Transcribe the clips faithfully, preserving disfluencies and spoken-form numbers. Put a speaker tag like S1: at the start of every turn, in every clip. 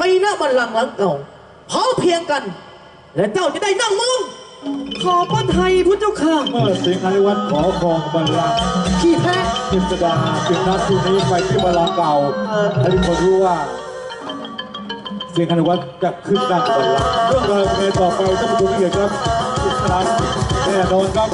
S1: หน้าบัลลังก์หลังเก่าพร้อมเพียงกันและเจ้าจะได้นั่งมอง
S2: ขอพระไทยพุทธเจ้าค่ะ
S3: เมื่อสิงห์อริวัตขอครองบัลลังก์
S2: ขี้แพ้
S3: กฤษดาจึงนัดที่นี้ไปที่บัลลังก์เก่าให้ทุกคนรู้ว่าสิงห์อริวัตจะขึ้นนั่งบัลลังก์เรื่องราวในต่อไปต้องมาดูที่เหตุครับกฤษดาแน่นอนครับ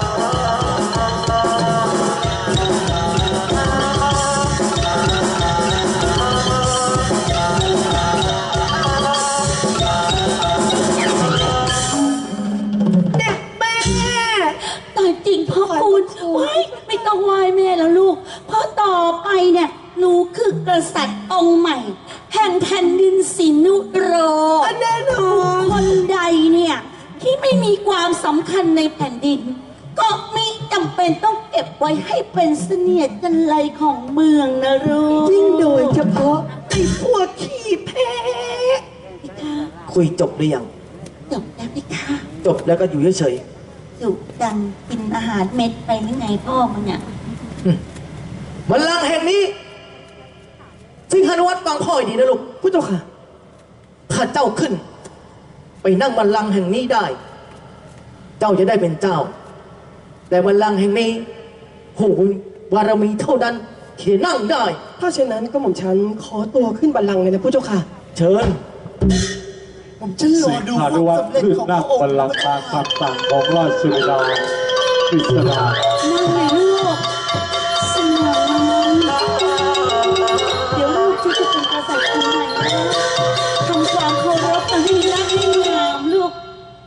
S4: ไม่ต้องไหว้แม่แล้วลูกเพราะต่อไปเนี่ยหนูคือกษัตริย์องค์ใหม่แห่งแผ่นดินสินุโร
S2: แน่นอน
S4: คนใดเนี่ยที่ไม่มีความสำคัญในแผ่นดินก็มีจำเป็นต้องเก็บไว้ให้เป็นเสนียดจันไรของเมืองนะลูก
S2: ยิ่งโดยเฉพาะไอ้พวกขี้แพ้
S1: คุยจบหรือยัง
S4: จบแล้วพี่คะ
S1: จบแล้วก็อยู่เฉย
S4: อยู่ดังกินอาหารเม็ดไปหรือไงพ่อมันเนี่ย
S1: บัลลังก์แห่งนี้สิงหานุวัตรฟังพ่อดีนะลูก
S2: พุทธเจ้าค่ะ
S1: ถ้าเจ้าขึ้นไปนั่งบัลลังก์แห่งนี้ได้เจ้าจะได้เป็นเจ้าแต่บัลลังก์แห่งนี้โหบารมีเท่านั้นที่นั่งได้
S2: ถ้าเช่นนั้นก็หม่อมฉันขอตัวขึ้นบัลลังก์เลยนะพุทธเจ้าค่ะ
S1: เชิญ
S2: ผมจะรอดูความสำเร็จของพระองค์
S3: บัลลังก์ตามคำสั่งของราชสุดากฤษดา
S4: นั่งเลยลูกสนองเดี๋ยวลูกที่จะเป็นกษัตริย์คนใหม่ทำความเคารพให้รักให้งามลูก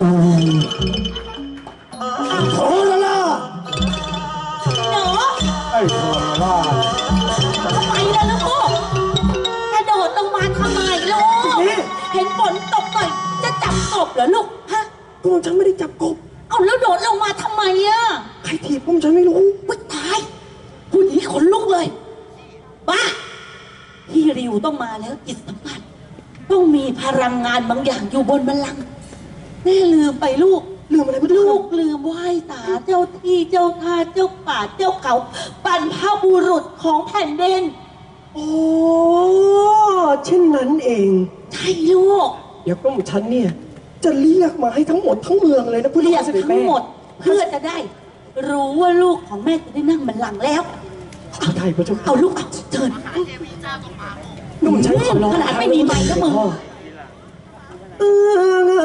S1: โคลาล่า
S4: หนู
S3: ไอ้โคลาล่า
S4: ทำไมล่ะลูกกระโดดลงมาทำไมลูกเห็นฝนตกหน่อยจะจับกบเหรอลูกฮะ
S2: พวกฉันไม่ได้จับกบ
S4: เอาแล้วโดดลงมาทำไมอะ
S2: ใครถีบพวกฉันไม่รู้
S4: วิตายพูดอย่างนี้ขนลุกเลยบ้าพี่ริวต้องมาแล้วจิตสัมผัสต้องมีพลังงานบางอย่างอยู่บนบัลลังก์แม่ลืมไปลูก
S2: ลืมอะไรไม่
S4: ลูกลืมไหว้ตาเจ้าที่เจ้าทาเจ้าป่าเจ้าเขาบรรพบุรุษของแผ่นดิน
S2: โอ้เช่นนั้นเอง
S4: ใช่ลูก
S2: เดี๋ยวก็หมู่ฉันเนี่ยจะเรียกมาให้ทั้งหมดทั้งเมืองเลยนะผู้
S4: เรียก
S2: ทั้
S4: งหมดเพื่อจะได้รู้ว่าลูกของแม่จะได้นั่งบัลลังก์แล้ว
S2: เอาไทยพระเจ้า
S4: เอาลูกเอาเชิญ
S2: นุ่มฉันขอร้อง
S4: ขนาดไม่มีไม้ก็มึง
S2: เออเอ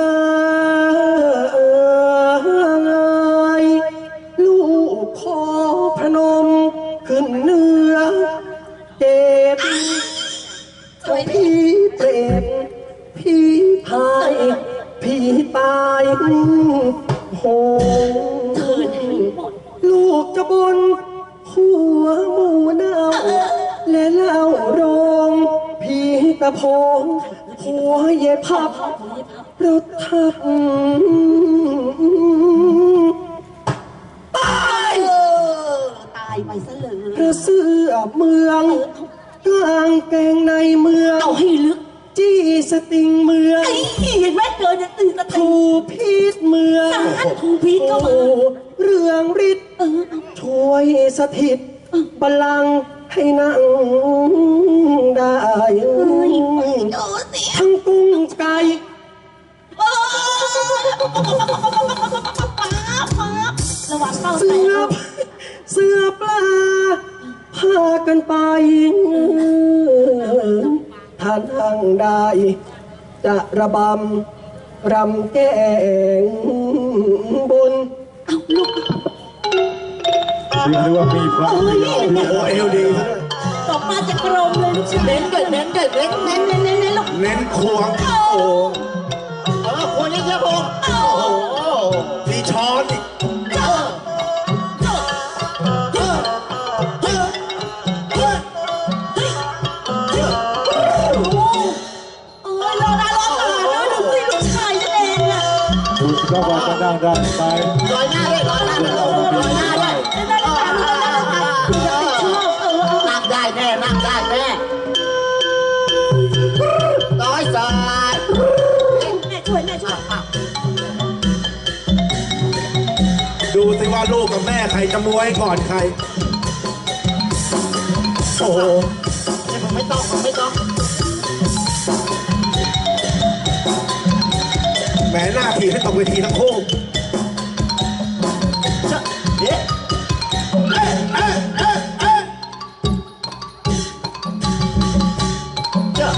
S2: อลูกขอพนมขึ้นเนื้อเจ็บพี่เปรตพี่พายพี่ตายโหลูกจะบนหัวหมูเน่าและเล่าโรงพี่ตะพงหัวเย็บพับรถทับตาย
S4: ตายไปซะเลย
S2: พระเสื้อเมืองกลางแกงในเมือง
S4: เอาให้ลึก
S2: จี้สติงเมือง
S4: เห็นไหมเกินจะตื่นจะ
S2: ถูพีดเมือง
S4: ถูพีดก็มา
S2: เรื่องฤทธิ์ช่วยสถิตบัลลังก์ให้นั่งได้ทั้งกุ้งไก่
S4: ระวังเป้า
S2: เสือเสือปลาพากันไปท่านนั่งได้จะระบำรำแกงบน
S4: เอาลูก
S3: เรียกว่ามีพระโอ้
S1: เอวดี
S4: ตกมาจากกรมเลยลูกเน้นเกิดเน้นเกิดเน้นเน้นเน้นเน้นเน้นลูก
S1: เน้นควงโอ้เออควงเยอะๆผมโอ้โหมีช้อนอีก
S3: ก็ว่าจะนั่งได้ไหม
S1: ลอยหน้าเลยลอยหน้าเลยลอยหน้าเลยนั่งได้แน่นั่งได้แน่ร้อยสาย
S4: แม่ช่วยแม่ช่วย
S1: ดูสิว่าลูกกับแม่ใครจะมวยก่อนใครโอ้โหไม่ต้องไม่ต้อง
S5: หน้าทีให้ตกเวทีทั้งคู่เอ๊ะเอ๊ะเอ๊ะเอ๊ะเอ๊ะเจ้า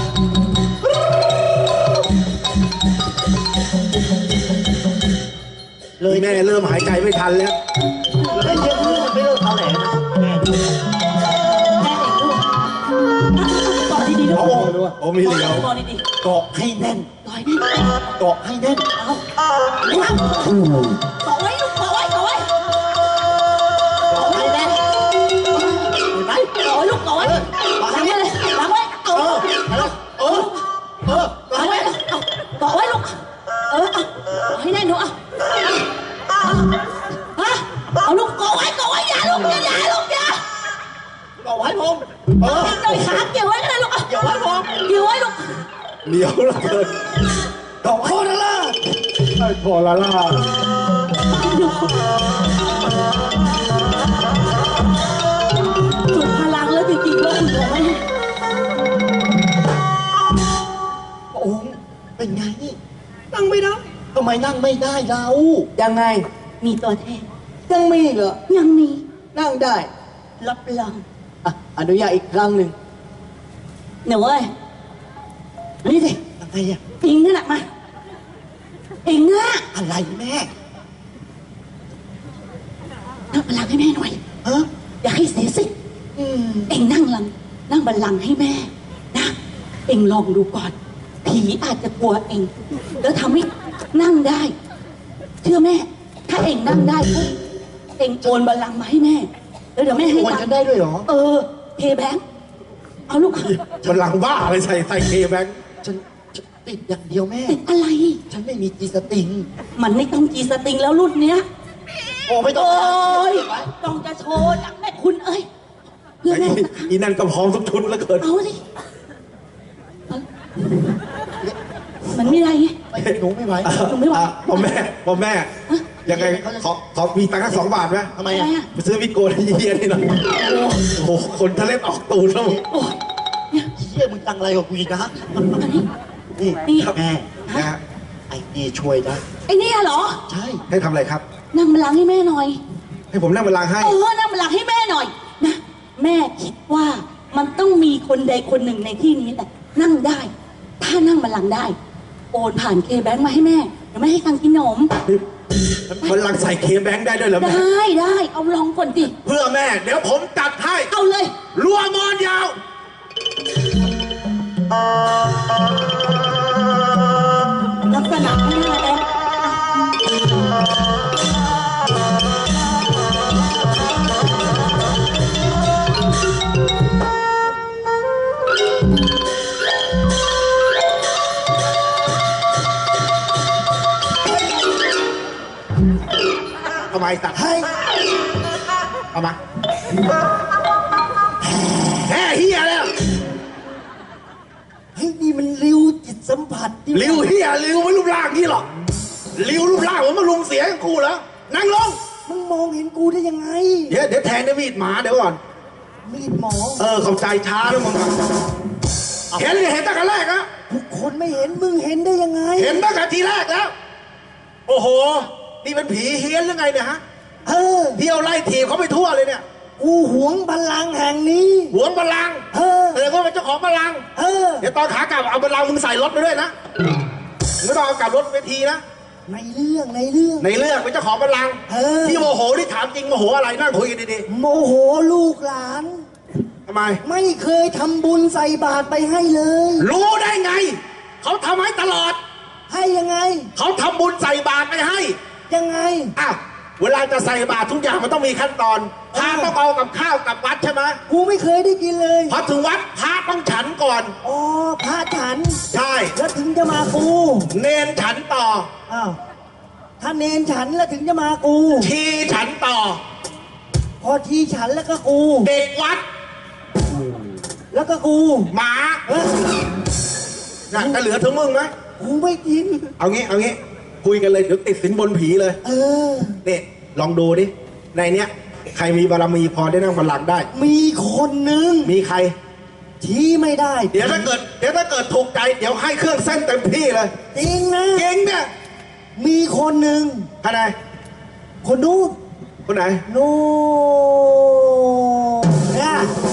S5: เลยแม่เริ่มหายใจไม่ทันแล้ว
S1: เล่นเยอะขึ้นมันไม่เลิกเอาแหลนะแม่
S4: แม่เองลูกต่อดีๆลูก
S5: โอ้โอ้มีเหลียว
S4: ต่อดี
S5: เกาะให้แน่น
S4: ๆต่อยนี่
S5: เกาะให้แน่น
S4: เอาต่อไว้ลูกต่อไว้ต่อไว้
S5: เกาะให้แน่นเห็นไหม
S4: ต่อไว้ลูกต่อไว้ล้างไว้เลยล้างไว้เอา
S5: เออเออเออ
S4: ล้างไว้เอาต่อไว้ลูกเออเอาเอาให้แน่นหนูเอาฮะเอาลูกต่อไว้ต่อไว้อย่าลูกอย่าอย่าลูกอย่า
S5: เกาะไว้ผมเออ
S4: โดยขาเกี่ยวไว้ก็ได้ลูกเกี่ยวไว้ผมเกี่ยวไว้ลูก
S5: เหลียวเหลือเกินเกาะโคตรละ
S3: ไอ้พอละล่า
S4: สุดพลังแล้วจริงๆว่าคุณบอกว่า
S5: พระองค์เป็นไงนั่งไม่ได้ทำไมนั่งไม่ได้เรา
S1: ยังไง
S4: มีตัวแทน
S1: ยังมีอีกเหรอ
S4: ยังมี
S1: นั่งได้
S4: รับรอง
S1: อ่ะอนุญาตอีกครั้งหนึ่ง
S4: หนูเอ้ยนี่สิ
S5: ยังไงอะ
S4: อิงนั่นแหละมาอิงนะ
S5: อะไรแม่
S4: นั่งบัลลังก์ให้แม่หน่อย
S5: ฮะ
S4: อย่าให้เสียสิ
S5: อืม
S4: เอ็งนั่งลังนั่งบัลลังก์ให้แม่นะเอ็งลองดูก่อน ผีอาจจะกลัวเอ็งแล้วทำให้นั่งได้ เชื่อแม่ ถ้าเอ็งนั่งได้ปุ๊บเอ็งโอนบัลลังก์มาให้แม่แล้วเดี๋ยวแม่ให้
S5: โอน
S4: ตัง
S5: กัน
S4: ค์
S5: ได้ด้วยเหรอ
S4: เออเพย์แบงค์เอาลูก
S5: มันหลังบ้าอะไรใส่ใส่เคแบงค์ฉันฉันติดอย่างเดียวแม่
S4: ติดอะไร
S5: ฉันไม่มีจีสติง
S4: มันไม่ต้องจีสติงแล้วรุ่นเนี้ย
S5: โอ้ไม่ต้อง
S4: โอ้ยต้องจะโชว์จากแม่คุณเอ้ยเพื่อ
S5: ไอ้
S4: แม่
S5: นี่อีนั่นก็พร้อมทุกชุดแล้วเกิน
S4: เอาสิเอามันไม่ได้ไง
S5: หนูไม่ไหว
S4: หนูไม่ไหว
S5: อ่ะพ่อแม่พ่อแม่ ยังไงขอขอมีตังค์แค่สองบาทไหม
S4: ทำไมอ่ะ
S5: ไปซื้อวิโกนเยียนี่หน่อยโอ้โหคนทะเลออกตูดแล้วมึง
S4: โอ้ยเนี่ย
S5: เชี่ยมึงตังอะไรกับกูอีกนะ
S4: อันนี้
S5: นี่
S4: นี่
S5: แม่นะฮะไอ้นี่ช่วยได้
S4: ไอ้เนี่ยเหรอ
S5: ใช่ให้ทำอะไรครับ
S4: นั่งบัลลังก์ให้แม่หน่อย
S5: ให้ผมนั่งบัลลังก์ให้
S4: เออนั่งบัลลังก์ให้แม่หน่อยนะแม่คิดว่ามันต้องมีคนใดคนหนึ่งในที่นี้แหละนั่งได้ ถ้านั่งบัลลังก์ได้ โอนผ่านเคแบงค์มาให้แม่เดี๋ยวแม่ให้ตังค์กินขนม
S5: บัลลังก์ใส่เคแบงค์ได้ด้วยเหรอแม่
S4: ได้ได้เอาลองก่อนสิ
S5: เพื่อแม่ เดี๋ยวผมจัดให้
S4: เอาเลย
S5: รัวมอนยาว
S4: ลักษณะไม่น่าแอป
S5: ทำไมตัดให้เอามาแห่เฮียแล้ว
S2: เฮ้ยนี่มันริวจิตสัมผัสที่
S5: ริวเฮียริวไม่รูปร่างนี่หรอกริวรูปร่างผมมาลุงเสียงกูแล้วนั่งลง
S2: มึงมองเห็นกูได้ยังไง
S5: เดี๋ยวเดี๋ยวแทงด้วยมีดหมาเดี๋ยวก่อน
S2: มีดหมอ
S5: เออเข้าใจช้าแล้วมึงอะเห็นเลยเห็นตั้งแต่แรกนะ
S2: ทุกคนไม่เห็นมึงเห็นได้ยังไง
S5: เห็นตั้งแต่ทีแรกแล้ว โอ้โห นี่เป็นผีเฮี้ยนหรือไงเนี่ยฮะ
S2: เออ
S5: เที่ยวไล่ถีบเขาไปทั่วเลยเนี่ย
S2: กูหวงบัลลังก์แห่งนี้
S5: หวงบัลลังก์
S2: เออ
S5: แต่ก็เป็นเจ้าของบัลลังก์
S2: เออ
S5: เดี๋ยวตอนขากลับเอาบัลลังก์มึงใส่รถไปด้วยนะมึงไม่ต้องเอากลับรถเวทีนะ
S2: ในเรื่องในเรื่อง
S5: ในเรื่องเป็นเจ้าของบัลลังก์
S2: เออ
S5: ที่โมโหที่ถามจริงโมโหอะไรนั่งคุยกันดี
S2: โมโหลูกหลาน
S5: ๆทำไม
S2: ไม่เคยทำบุญใส่บาตรไปให้เลย
S5: รู้ได้ไง เขาทำให้ตลอด
S2: ให้ยังไง
S5: เขาทำบุญใส่บาตรไปให้
S2: ยังไง
S5: อ้าว เวลาจะใส่บาตรทุกอย่างมันต้องมีขั้นตอนพระต้องเอากับข้าวกับวัดใช่ไหม
S2: กูไม่เคยได้กินเลย
S5: พอถึงวัดพระต้องฉันก่อน
S2: อ๋อพระฉัน
S5: ใช่
S2: แล้วถึงจะมากู
S5: เนนฉันต่อ
S2: อ้าวถ้าเนนฉันแล้วถึงจะมากู
S5: ชีฉันต่อ
S2: พอทีฉันแล้วก็กู
S5: เด็กวัด
S2: แล้วก็กู
S5: หมา
S2: เอ้ย
S5: น่ะจะเหลือถึงมึงไหม
S2: กูไม่กิน
S5: เอางี้เอางี้คุยกันเลยเดี๋ยวติดสินบนผีเลย
S2: เออ
S5: นี่ลองดูดิในเนี้ยใครมีบารมีพอได้นั่งบัลลังก์ได้
S2: มีคนหนึ่ง
S5: มีใคร
S2: ชี้ไม่ได้
S5: เดี๋ยวถ้าเกิดเดี๋ยวถ้าเกิดถูกใจเดี๋ยวให้เครื่องเส้นเต็มที่เลย
S2: จริงนะ
S5: เก่งเนี่ยมีคนหนึ่ง
S2: ท่านไหน
S5: คนนู้น
S2: คนไหน
S5: นู้นเนี่ย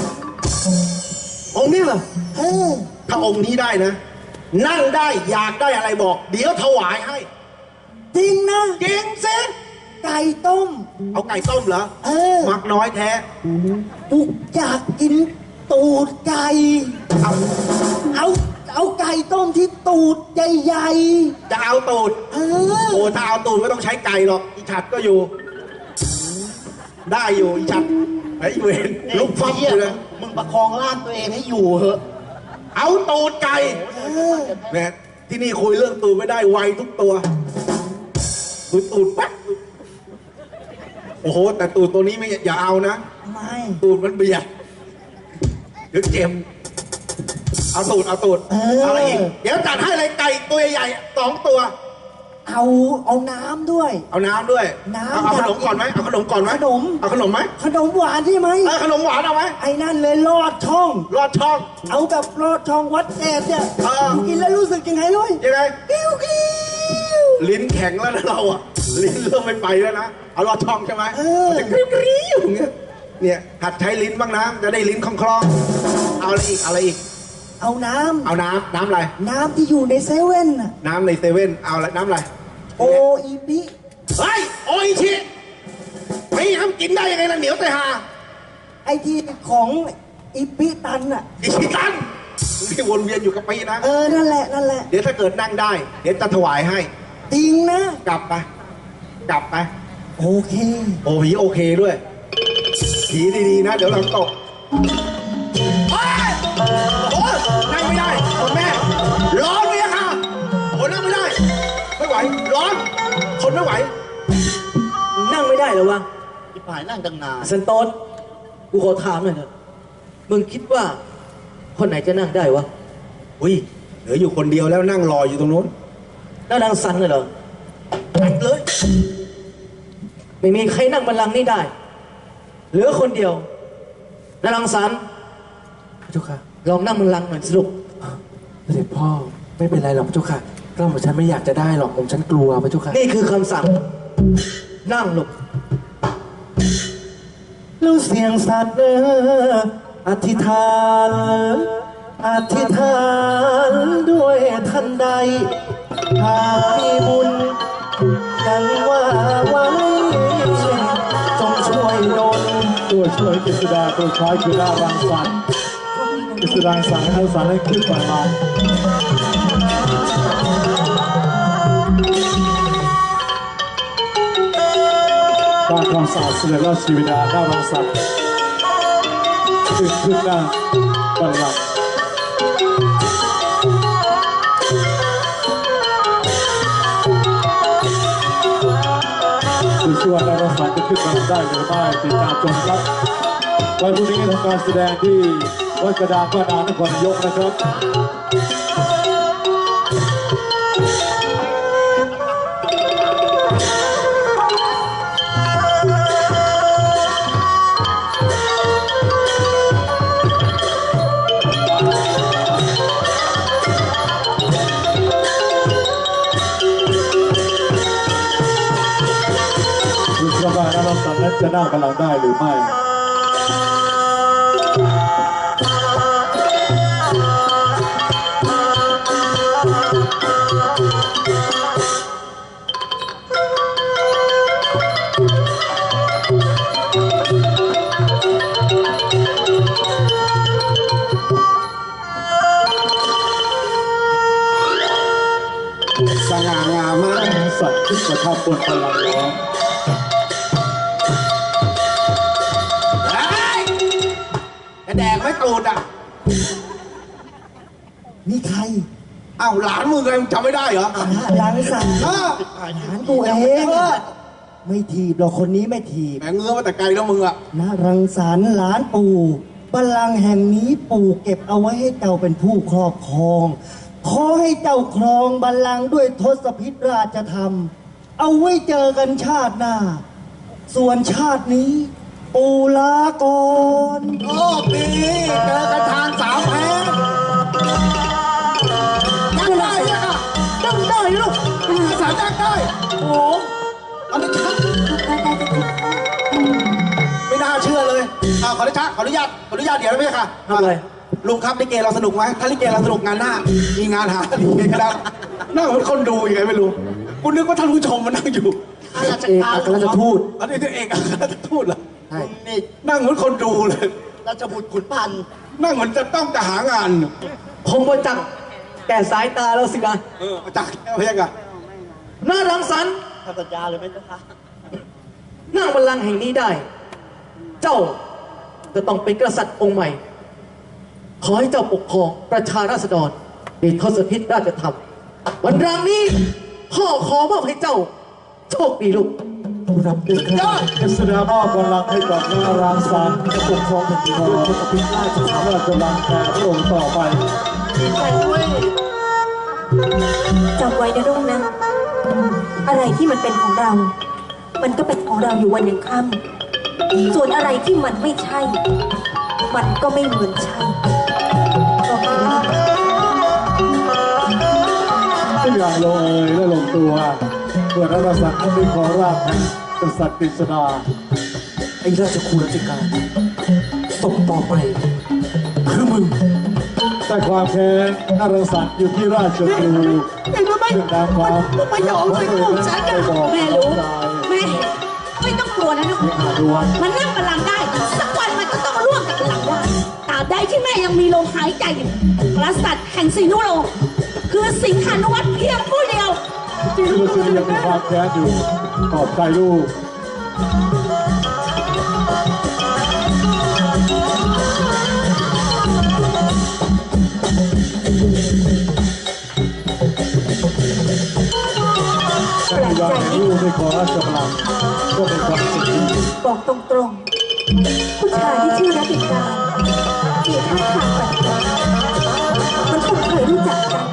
S2: องค์นี้เหรอ
S5: เออ
S2: ถ้าองค์นี้ได้นะ นั่งได้อยากได้อะไรบอก เดี๋ยวถวายให้
S5: จริงนะ
S2: จริงสิ
S5: ไก่ต้ม
S2: เอาไก่ต้มเหรอ
S5: เออ
S2: มักน้อยแท้
S5: กูอยากกินตูดไก่
S2: เอา
S5: เอาเอาไก่ต้มที่ตูดใหญ่
S2: จะเอาตูด
S5: ๆเออ
S2: โอ้ถ้าเอาตูดไม่ต้องใช้ไก่หรอกอีฉัดก็อยู่ ได้อยู่อีฉัดไอ้เวรลุกฟับอยู่เลย
S5: มึงประคองร่างตัวเองให้อยู่เหอะ
S2: เอาตูดไก่
S5: เออ
S2: เนี่ยที่นี่คุยเรื่องตูดไม่ได้ไวทุกตัวตูดตูดปั๊บโอ้โหแต่ตูดตัวนี้ไม่อย่าเอานะ
S5: ไม่
S2: ตูดมันเบียดเดี๋ยวเจ็บเอาตูดเอาตูดเอาอะไรอีกเดี๋ยวจัดให้เลยไก่ตัวใหญ่ๆสองตัว
S5: เอาเอาน้ำด้วย
S2: เอาน้ำด้วย
S5: น้ำ
S2: เอาเอาขนมก่อนไหมเอาขนมก่อนไหม
S5: ขนม
S2: เอาขนมไหม
S5: ขนมหวานใช่ไหม
S2: เออขนมหวานเอาไหม
S5: ไอ้นั่นเลยลอดช่อง
S2: รอดช่อง
S5: เอากับลอดช่องวัดแอดเนี่ย
S2: เออ
S5: กินแล้วรู้สึกยังไงด้วย
S2: ยังไง
S5: กิ้วกิ้ว
S2: ลิ้นแข็งแล้วนะเราอะลิ้นเริ่มไม่ไปแล้วนะเอารอดช่องใช่ไหม
S5: เออ
S2: มันจะกริ้วกริ้วอย่างเงี้ยเนี่ยหัดใช้ลิ้นบ้างนะจะได้ลิ้นคล่องๆเอาอะไรอีกเอาอะไรอีก
S5: เอาน้
S2: เอาน้ำน้ำอะไร
S5: ำน้ำที่อยู่ในเซเว่นน่ะ
S2: น้ำในเซเว่นเอาอะไรน้ำอะไร
S5: โออีปิ
S2: เฮ้ยโออิชิไม่ทำกินได้ยังไงล่ะเหนียวแต่หา
S5: ไอที่ของอีปิตันอ่ะ
S2: อิชิตันที่วนเวียนอยู่กับปีนะ
S5: เออนั่นแหละนั่นแหละ
S2: เดี๋ยวถ้าเกิดนั่งได้ เดี๋ยวจะถวายให้
S5: จริงนะ
S2: กลับไปกลับไป
S5: โอเค
S2: โอ้ผีโอเคด้วย ผีดีๆนะ เดี๋ยวเราตกเฮ้ยโอ้ยนั่งไม่ได้คุณแม่ ร้อนเลยค่ะโอ้นั่งไม่ได้ ไม่ไหว ร้อน ทนไม่ไหว
S1: นั่งไม่ได้เหรอวะ
S5: ที่ผ่านนั่งตั้งนาน
S1: สันโตนกูขอถามหน่อยเถอะมึงคิดว่า คนไหนจะนั่งได้วะ
S2: อุ้ย เหลืออยู่คนเดียวแล้วนั่งรออยู่ตรงนู้น
S1: แล้วนางสันน่ะเหรอ
S2: ตัดเลย
S1: ไม่มีใครนั่งบัลลังก์นี่ได้ เหลือคนเดียวแล้วนางสัน
S6: พระเจ้าค่ะ
S1: ลองนั่งบัลลังก์หน่อยสรุป
S6: เสด็จพ่อไม่เป็นไรหรอกพระเจ้าค่ะกล้าผมฉันไม่อยากจะได้หรอกผมฉันกลัวพระเจ้าค่ะ
S1: นี่คือคำสั่ง นั่งลง
S6: แล้วเสียงสัตว์เอออธิษฐานอธิษฐานด้วยทันใดหากมีบุญดังว่าไว้จงช่วยดล
S3: ตัวช่วยกฤษดาตัวช้อยคือหน้ารังสรรค์กฤษดาสั่งให้รังสรรค์ให้ขึ้นไปมาตามคำสั่งเสด็จราชบิดาหน้ารังสรรค์ขึ้นขึ้นหน้าบัลลังก์ดูสิว่าหน้ารังสรรค์จะขึ้นมาได้หรือไม่ติดตามชมครับวันพรุ่งนี้ทำการแสดงที่วัดกระดานบ้านนานครนายกนะครับดูสิว่าหน้ารังสรรค์นั้นจะนั่งบัลลังก์ได้หรือไม่
S2: สง่างามมาก
S3: สัตว์ที่ประทับบนพลังล้อม
S2: เฮ้ยจะแดกไม่ตูดอ่ะ
S5: นี่ใคร
S2: อ้าวหลานมึงไงมึงจำไม่ได้เหรอ
S5: หลานสั่ง
S2: เออ
S5: หลานกูเองไม่ถีบหรอกคนนี้ไม่ถีบ
S2: แหมเงื้อมาแต่ไกลแล้วมึงอ่ะ
S5: นะรังสรรค์หลานปู่บัลลังก์แห่งนี้ปู่เก็บเอาไว้ให้เจ้าเป็นผู้ครอบครอง ขอให้เจ้าครองบัลลังก์ด้วยทศพิธราชธรรม เอาไว้เจอกันชาติหน้า ส่วนชาตินี้ ปู่ลาก่อน
S2: โอ้ดีเจอกันทางสามแพร่ยังไงเนี่ย
S1: นั่งได้ลูก
S2: ภาษานั่งได้
S1: โอ้
S2: เอาดิชักไม่น่าเชื่อเลยอ่าขอดิชักขออนุญาตขออนุญาตเดี๋ยวนะพี่ค่ะ
S1: ทำอะไร
S2: ลุงครับลิเกเราสนุกไหมถ้าลิเกเราสนุกงานหน้า มีงานหาลิเกก็ได้นั่งเหมือนคนดูยังไงไม่รู้คุณนึกว่าท่านผู้ชมมานั่งอยู่
S5: เอกอัครราชทูต
S2: อันนี้ตัวเองอัครราชทูตเหรอ
S5: ใช่
S1: นี่
S2: นั่งเหมือนคนดูเลย
S1: ราชบุตรขุนพันธ์
S2: นั่งเหมือนจะต้องจะหางาน
S1: คงมาจักแก่สายตาแล้วสินะ
S2: เออมาจากแล้วพี่ค่ะ
S1: น่ารังสรรค์
S5: ทำสัญญาเลยไหมเจ้าคะ
S1: นั่งบัลลังก์แห่งนี้ได้ เจ้าจะต้องเป็นกษัตริย์องค์ใหม่ ขอให้เจ้าปกครองประชาราษฎรในทศพิธราชธรรม วันรางนี้พ่อขอมอบให้เจ้า โชคดีลูก
S3: รับด้วยครับกษดามอบกำลังให้กับนารางสารจะปกครองแผ่นดินด้วยทศพิธราชธรรมราชบังแก่พระองค์ต่อไป
S7: จำไว้นะลูกนะ อะไรที่มันเป็นของเรา มันก็เป็นของเราอยู่วันยังค่ำส่วนอะไรที่มันไม่ใช่ มันก็ไม่เหมือนใช่ก็คือ
S3: ทุกอย่างลงเอยและลงตัวเมื่อรัฐสักดิ์ได้ขอราบแห่งกษัตริย์กฤษณา
S6: ไอ้ราชครูราชการศพต่อไป คือมึง
S3: แต่ความแค้นนารสักดิ์อยู่ที่ราชครู
S4: แต่ทำไม
S3: เรื่องราวความ
S4: มันไม่ยอมเลยลูกฉันอะแม่รู้แม่ไม่ต้องกลัวนะลูก
S3: หาดวน
S4: มันนั่งบัลลังก์ได้สักวันมันก็ต้องร่วงกับบัลลังก์ได้ตราบใดที่แม่ยังมีลมหายใจอยู่กษัตริย์แห่งสิงห์นุโลกคือสิงหานุวัตรเพียงผู้เดียว
S3: ที่ลูกชายยังมีความแค้นอยู่ขอบใจลูก
S7: แปลกใจ
S3: การ
S7: นิ
S3: ลู
S7: ด
S3: กได้ขอราชบัลลังก์ก็เป็นความสุขที่
S7: บอกตรงๆ ผู้ชายที่ชื่อรัติการมีท่าทางแปลกๆมันคงเคยรู้จักกัน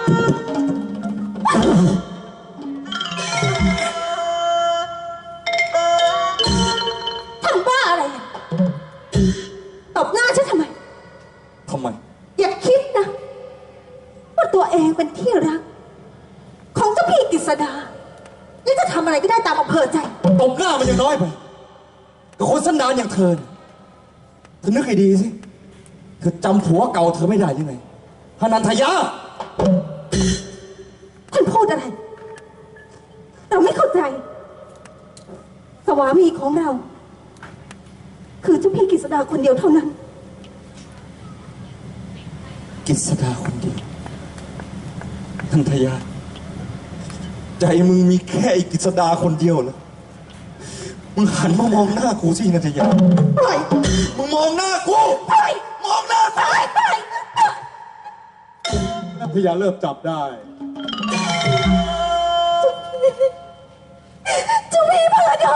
S7: ทำบ้าอะไรอ่ะตบหน้าฉันทำไม
S6: ทำไม
S7: อย่าคิดนะว่าตัวเองเป็นที่รัก ของเจ้าพี่กฤษดาและจะทำอะไรก็ได้ตามอำเภอใจ
S6: ตบหน้ามันยังน้อยไปกับคนสันดานอย่างเธอน่ะเธอนึกให้ดีสิ เธอจำผัวเก่าเธอไม่ได้ยังไงพนันทยา
S7: ท่านพูดอะไร เราไม่เข้าใจ สวามีของเรา คือเจ้าพี่กฤษดาคนเดียวเท่านั้น
S6: กิษดาคนเดียวนันทยา ใจมึงมีแค่ไอ้กิษดาคนเดียวเหรอมึงหันมามองหน้ากูสินันทยาปล่อยมึงมองหน้ากูปล่อยมองหน้ากู
S3: นัทยาเริ่มจับได้
S7: เจ้าพี่พาดอน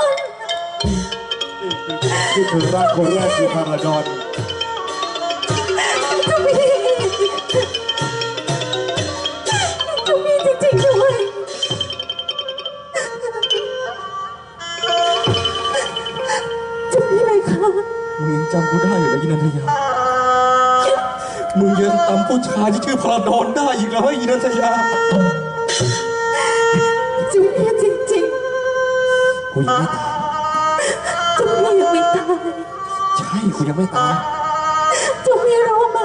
S3: ที่คือร่างคนแรกคือพาราดอน
S7: เจ้าพี่เจ้าพี่จริงๆด้วยเจ้าพี่เลยค่ะ
S6: มึงยังจำกูได้อยู่เลยยินันทยา มึงยังจำผู้ชายที่ชื่อพลาดอนได้อีกแล้วไอ้ยินันทยา
S7: เจ้าพี่จริง
S6: กูยังไม่ตาย
S7: ๆเจ้าพี่ยังไม่ตาย
S6: ใช่กูยังไม่ตาย
S7: เจ้าพี่รู้ไหม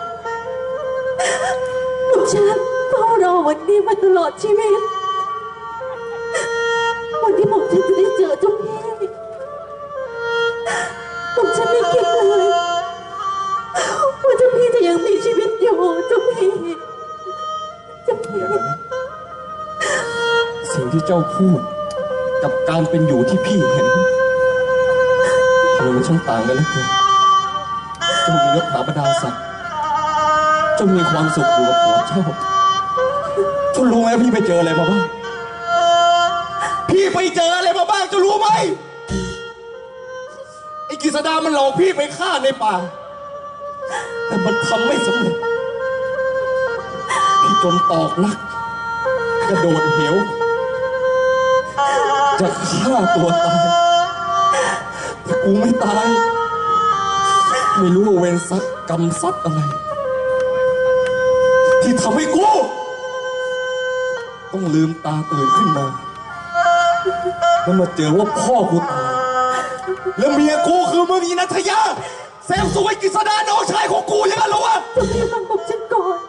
S7: หนุ่มฉันเฝ้ารอวันนี้มาตลอดชีวิต วันที่ผมฉันจะได้เจอเจ้าพี่ผมฉันไม่คิดเลยว่าเจ้าพี่จะยังมีชีวิตอยู่เจ้าพี่เจ้าพี่
S6: สิ่งที่เจ้าพูดกับการเป็นอยู่ที่พี่เห็นทำไมมันช่างต่างกันเหลือเกินเจ้ามียศถาบรรดาศักดิ์เจ้ามีความสุขอยู่กับผัวเจ้าเจ้ารู้ไหมพี่ไปเจออะไรมาบ้างพี่ไปเจออะไรมาบ้างเจ้ารู้ไหมไอ้กฤษดามันหลอกพี่ไปฆ่าในป่าแต่มันทำไม่สำเร็จพี่จนตอกลักกระโดดเหวจะฆ่าตัวตายแต่กูไม่ตาย ไม่รู้ว่าเวรซักกรรมซัดอะไร ที่ทำให้กู
S3: ต้องลืมตาตื่นขึ้นมาแล้วมาเจอว่าพ่อกูตายแล้วเมียกูคือมึงอีนัทยาแซมสวยกฤษดาน้องชายของกูอย่างนั้นเหรอวะ
S7: เจ้าพี่ฟังผมฉันก่อน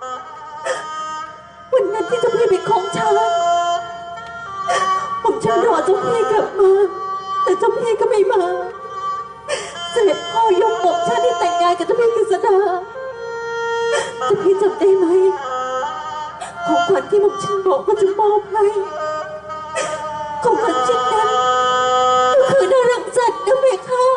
S7: วันนั้นที่เจ้าพี่เป็นของฉันผมฉันรอเจ้าพี่กลับมาแต่เจ้าพี่ก็ไม่มาเสด็จพ่อยกผมฉันที่แต่งงานกับเจ้าพี่กฤษดาเจ้าพี่จำได้ไหมของขวัญที่ผมฉันบอกว่าจะมอบให้ของขวัญชิ้นนั้นก็คือนรังสรรค์นะเบค่ะ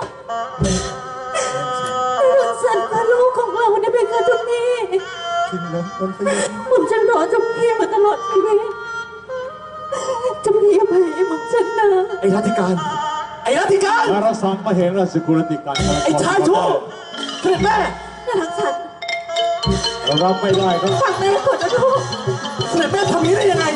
S7: นรังสรรค์คือลูกของเรานะเบค่ะเจ้าพี่
S3: จริงนะมันเป็น
S7: ผมฉันรอเจ้าพี่มาตลอดชีวิตเจ้าพี่อภัยให้ผมฉันนะ
S2: ไอ้รัติการ ไอ้รัติการ
S3: นารสังมาเห็นราชกุลติการ
S2: ไอ้ชายชั่วเสด็จแม่
S7: นรังสรรค์
S3: เรารับไม่ได้ครับ
S7: ฟังแม่ก่อนนะลูก
S2: เสด็จแม่ทำอย่างนี้ได้ยังไง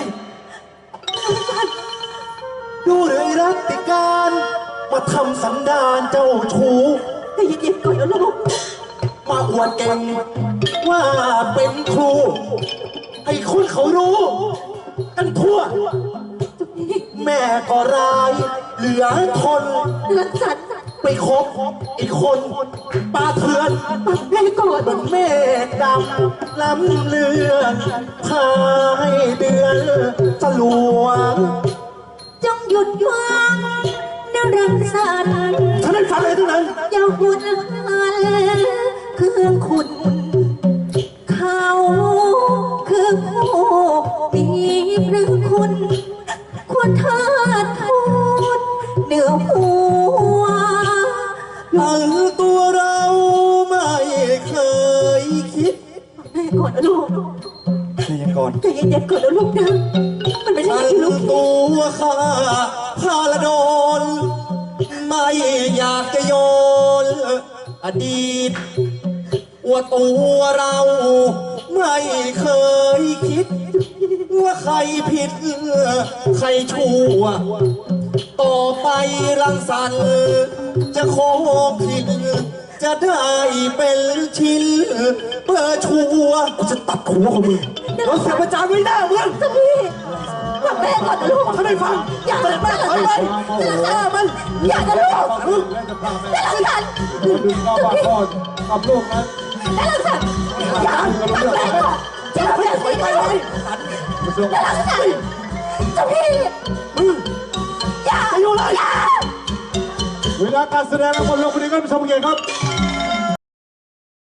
S6: ดูเลยรัติการมาทำสันดานเจ้าชู้
S7: ใจเย็นๆก่อนนะลูก
S6: มาอวดเก่งว่าเป็นครูให้คนเขารู้กันทั่ว แม่ก็ร้ายเหลือทน
S7: นรังสรรค์
S6: ไปคบอีกคนปาเถื่อน
S7: ฟังแม่ก่อน
S6: บนเมฆดำล้ำเลือนพาให้เดือนสลวง
S7: จงหยุดฟังนรังสรรค์
S2: ฉันไม่ฟังเลยทั้งนั้น
S7: อย่าหยุดหันเครื่องคุณ เขาคือผู้มีพระคุณ ควรเทิดทูนเหนือหัว
S6: ทั้งตัวเราไม่เคยคิด
S7: แม่ก่อนนะลูก
S6: ใจเย็นก่อน
S7: ใจเย็นๆก่อนนะลูกนะมันไม่ใช่
S6: ทั้ง
S7: ที่ลูกคิด
S6: ตัวข้าพาละโดน ไม่อยากจะโยนอดีต ว่าตัวเราไม่เคยคิด ว่าใครผิด ใครชั่ว ต่อไปรังสรรค์จะขอผิด จะได้เป็นชิ้นเปิดชัวกูจะตัดหัวของมึง
S2: เราเสียประจานไว้หน้าเมือง
S7: เจ้าพี่ฟังแม่ก่อนนะลูก
S2: ฉันไม่ฟัง
S7: อย่า
S2: เสด็จแม่ถอยไป
S7: ฆ่ามันอย่านะลูก
S3: มึงและจะพาแม่
S7: นรังสรรค์
S3: ดึงก็ว่าพ่อกับลูกนั้น
S7: นรังสรรค์อย่าฟังแม่ก่อนเจ้าพี่ไปไป
S3: กระทรวง
S7: นรังสรรค์เจ้าพี่อย่าอย่า
S3: เวลาการแสดงทั้งหมดลงไปดีกันผู้ชมเกียรติครับ